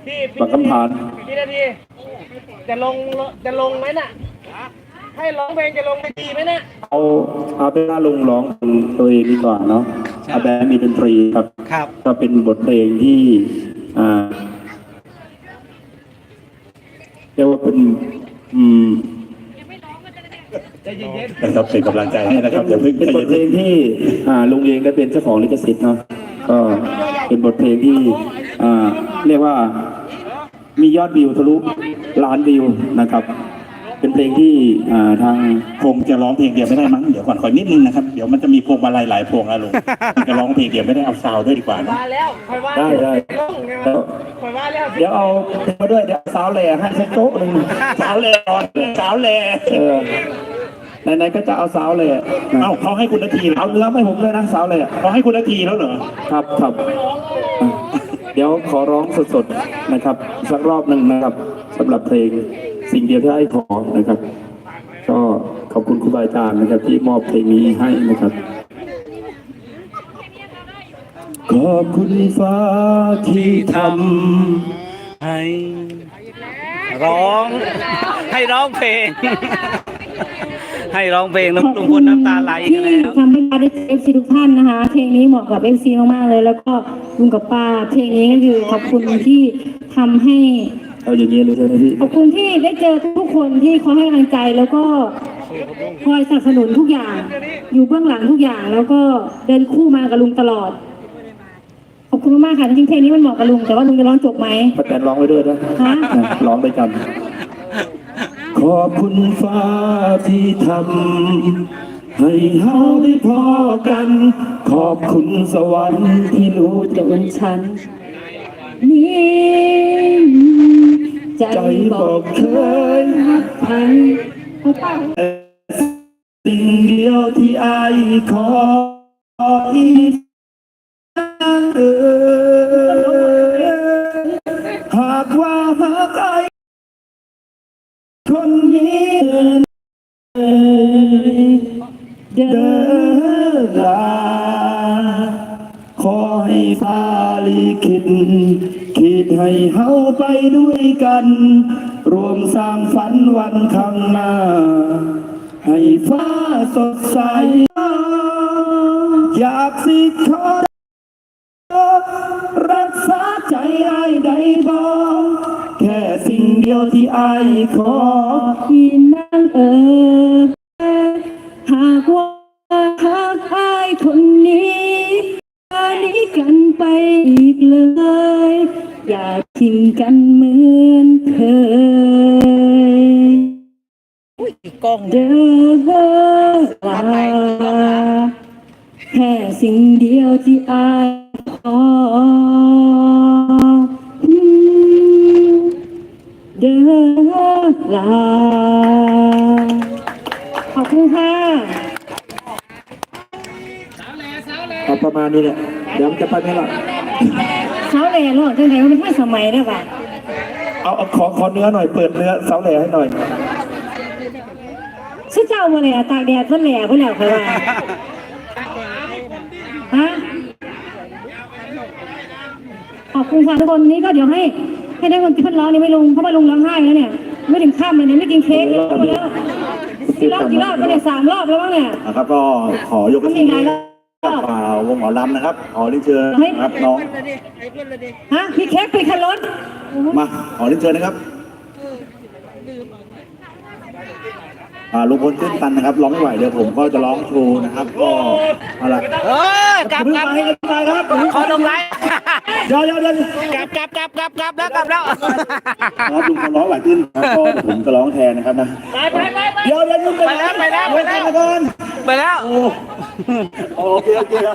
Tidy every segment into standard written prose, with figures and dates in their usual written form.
ปักคำผานพี่นาทีจะลงไหมน่ะให้ร้องเพลงจะลงไปดีไหมน่ะเอาเป็นว่าลุงร้องตัวเองดีกว่าเนาะอาแบมีดนตรีครับก็เป็นบทเพลงที่เรียกว่าเป็นนะครับเป็นกำลังใจให้นะครับอย่าเพิ่งเป็นบทเพลงที่ลุงเองได้เป็นเจ้าของลิขสิทธิ์เนาะก็เป็นบทเพลงที่เรียกว่ามียอดวิวทะลุล้านวิวนะครับเป็นเพลงที่ทางคงจะร้องเพลงเดียวไม่ได้มั้งเดี๋ยวก่อนขอนิดนึงนะครับเดี๋ยวมันจะมีพวงมาลัยหลายพวงนะลุงจะร้องเพลงเดียวไม่ได้เอาซาวด้วยดีกว่านะได้เดี๋ยวเอามาด้วยเดี๋ยวสาวแหล่ให้สักโต๊ะหนึ่งสาวแหล่สาวแหล่ไหนๆก็จะเอาสาวแหล่เขาให้คุณนาทีเอาเนื้อไม่ผมเลยนะสาวแหล่เขาให้คุณนาทีแล้วเหรอครับเดี๋ยวขอร้องสดๆนะครับสักรอบหนึ่งนะครับสำหรับเพลงสิ่งเดียวที่ให้ขอนะครับก็ขอบคุณครูบาอาจารย์นะครับที่มอบเพลงนี้ให้นะครับขอบคุณฟ้าที่ทำให้ร้องเพลงให้ร้องเพลงลุงพลน้ำตาไหลกันแล้วทำให้เราได้เอฟซีทุกท่านนะคะเพลงนี้เหมาะกับเอฟซีมากๆเลยแล้วก็ลุงกับป้าเพลงนี้ก็คือขอบคุณที่ทำให้เอาอย่างนี้เลยใช่ไหมพี่ขอบคุณที่ได้เจอทุกคนที่คอยให้กำลังใจแล้วก็คอยสนับสนุนทุกอย่างอยู่เบื้องหลังทุกอย่างแล้วก็เดินคู่มากับลุงตลอดขอบคุณมากค่ะจริงๆเพลงนี้มันเหมาะกับลุงแต่ว่าลุงจะร้องจบไหมป้าแตนร้องไปด้วยนะร้องไปกันขอบคุณฟ้าที่ทำให้เฮาได้พอกันขอบคุณสวรรค์ที่รู้จักฉันนี่ใจบอกเคยรักใครสิ่งเดียวที่อายขออีกหากว่าหากอายคนนี้เดินลาขอให้ฟ้าลิขิตคิดให้เฮาไปด้วยกันรวมสร้างฝันวันข้างหน้าให้ฟ้าสดใสอยากสิขอรักษาใจอ้ายได้บ่แค่สิ่งเดียวที่อ้ายขอพี่นั่งหากว่าหากอ้ายคนนี้กันไปอีกเลยอย่าทิ้งกันเหมือนเคยเดินลาแค่สิ่งเดียวที่อายขอเดินลาขอบคุณค่ะประมาณนี้แหละเดี๋ยวจะไปไหมล่ะเสาแหล่หรอจังไหนมันไม่สมัยได้ป่ะเอาขอเนื้อหน่อยเปิดเนื้อเสาแหล่ให้หน่อยชื่อเจ้ามาเลยตากแดดก็แหล่ก็แล้วค่ะฮะขอบคุณค่ะทุกคนนี้ก็เดี๋ยวให้ได้คนที่พันร้องนี่ไม่ลงเพราะว่าลงร้องไห้แล้วเนี่ยไม่ถึงข้ามเลยเนี่ยไม่กินเค้กแล้วกี่รอบก็เนี่ย3 รอบแล้วเนี่ยครับก็ขอยกที่วงหมอลำนะครับขอเรียนเชิญครับน้องฮะพี่เค้กไปขันรถมาขอเรียนเชิญนะครับลุงพลขึ้นตันนะครับร้องไม่ไหวเดี๋ยวผมก็จะร้องโชว์นะครับก็อะไรกลับครับขอลงไลน์เดี๋ยวกลับแล้วครับลุงพลร้องไหวขึ้นแล้วก็ผมจะร้องแทนนะครับนะเดี๋ยวไปแล้วโอเค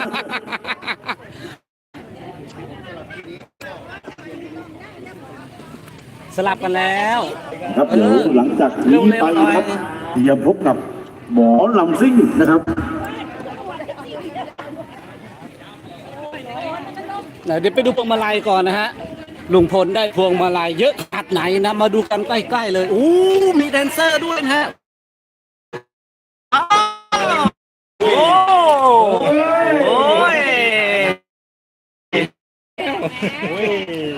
สลับกันแล้วครับเดี๋ยวหลังจากนี้ไปนะครับจะพบกับหมอลำซิ่งนะครับเดี๋ยวไปดูพวงมาลัยก่อนนะฮะลุงพลได้พวงมาลัยเยอะขนาดไหนนะมาดูกันใกล้ๆเลยมีแดนเซอร์ด้วยนะฮะโอ้ย